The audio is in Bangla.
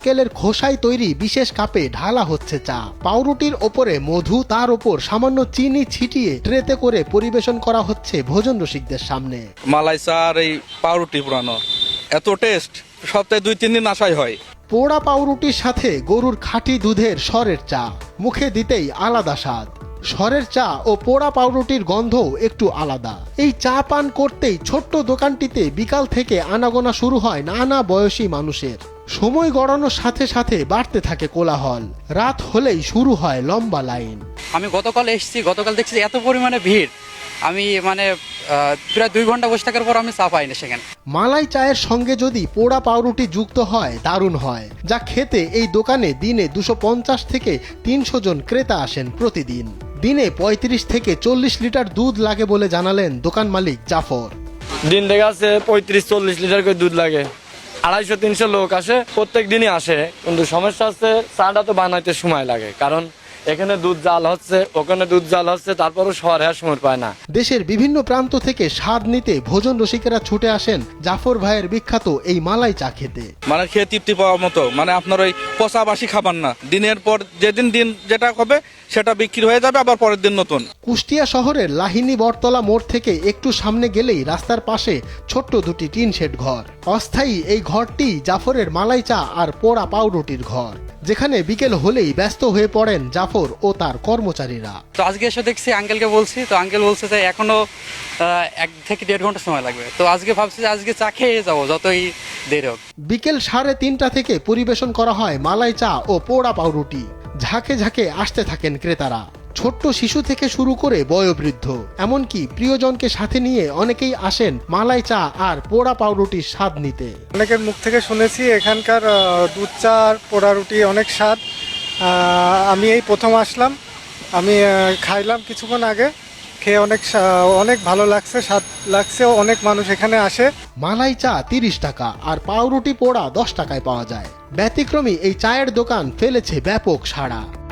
নারকেলের খোসায় তৈরি বিশেষ কাপে ঢালা হচ্ছে চা। পাউরুটির ওপরে মধু, তার ওপর সামান্য চিনি ছিটিয়ে ট্রেতে করে পরিবেশন করা হচ্ছে ভোজন রসিকদের সামনে। মালাই চা আর এই পাউরুটি পুরানো এত টেস্ট, সপ্তাহে 2-3 দিন আসাই হয়। পোড়া পাউরুটির সাথে গরুর খাঁটি দুধের সরের চা, মুখে দিতেই আলাদা স্বাদ। সরের চা ও পোড়া পাউরুটির গন্ধও একটু আলাদা। এই চা পান করতেই ছোট্ট দোকানটিতে বিকাল থেকে আনাগোনা শুরু হয় নানা বয়সী মানুষের। সময় গড়ানোর সাথে সাথে বাড়তে থাকে কোলাহল। রাত হলেই শুরু হয় লম্বা লাইন। আমি গতকাল এসেছি, গতকাল দেখছি এত পরিমাণে ভিড়, আমি প্রায় 2 ঘন্টা বসে থাকার পর আমি চা পাই না সেখানে। মালাই চায়ের সঙ্গে যদি পোড়া পাউরুটি যুক্ত হয় দারুণ হয়, যা খেতে এই দোকানে দিনে 250 থেকে 300 জন ক্রেতা আসেন প্রতিদিন। দিনে 35 থেকে 40 লিটার দুধ লাগে বলে জানালেন দোকান মালিক জাফর। দিন থেকে আছে 35-40 লিটার করে দুধ লাগে। 250-300 লোক আসে, প্রত্যেক দিনই আসে। কিন্তু সমস্যা হচ্ছে চাটা তো বানাইতে সময় লাগে, কারণ এখানে দুধ জাল হচ্ছে, ওখানে দুধ জাল হচ্ছে, তারপরও শহরে আর সময় পায় না। দেশের বিভিন্ন প্রান্ত থেকে স্বাদ নিতে ভোজন রসিকেরা ছুটে আসেন জাফর ভাইয়ের বিখ্যাত এই মালাই চা খেতে। মানে খেয়ে তৃপ্তি পাওয়ার মতো, মানে আপনার ওই পচাবাসি খাবার না। দিনের পর যেদিন দিন যেটা হবে সেটা বিক্রি হয়ে যাবে, আবার পরের দিন নতুন। কুষ্টিয়া শহরের লাহিনী বটতলা মোড় থেকে একটু সামনে গেলেই রাস্তার পাশে ছোট্ট দুটি টিন শেড ঘর। অস্থায়ী এই ঘরটি জাফরের মালাই চা আর পোড়া পাউরুটির ঘর, যেখানে বিকেল হলেই ব্যস্ত হয়ে পড়েন জাফর ও তার কর্মচারীরা। তো আজকে এসে দেখছি, আঙ্কেলকে বলছি, তো আঙ্কেল বলছে যে এখনো 1 থেকে 1.5 ঘন্টা সময় লাগবে। তো আজকে ভাবছি যে আজকে চা খেয়ে যাবো, যতই দেরি হোক। বিকেল 3:30 থেকে পরিবেশন করা হয় মালাই চা ও পোড়া পাউরুটি। ঝাঁকে ঝাঁকে আসতে থাকেন ক্রেতারা, ছোট্ট শিশু থেকে শুরু করে বয়োবৃদ্ধ, এমনকি প্রিয়জনকে সাথে নিয়ে অনেকেই আসেন মালাই চা আর পোড়া পাউরুটির স্বাদ নিতে। অনেকের মুখ থেকে শুনেছি এখানকার দুধ চা আর পোড়া রুটি অনেক স্বাদ। আমি এই প্রথম আসলাম, আমি খাইলাম কিছুক্ষণ আগে, খেয়ে অনেক ভালো লাগছে, স্বাদ লাগছে। অনেক মানুষ এখানে আসে। মালাই চা 30 টাকা আর পাউরুটি পোড়া 10 টাকায় পাওয়া যায়। ব্যতিক্রমী এই চায়ের দোকান ফেলেছে ব্যাপক সাড়া।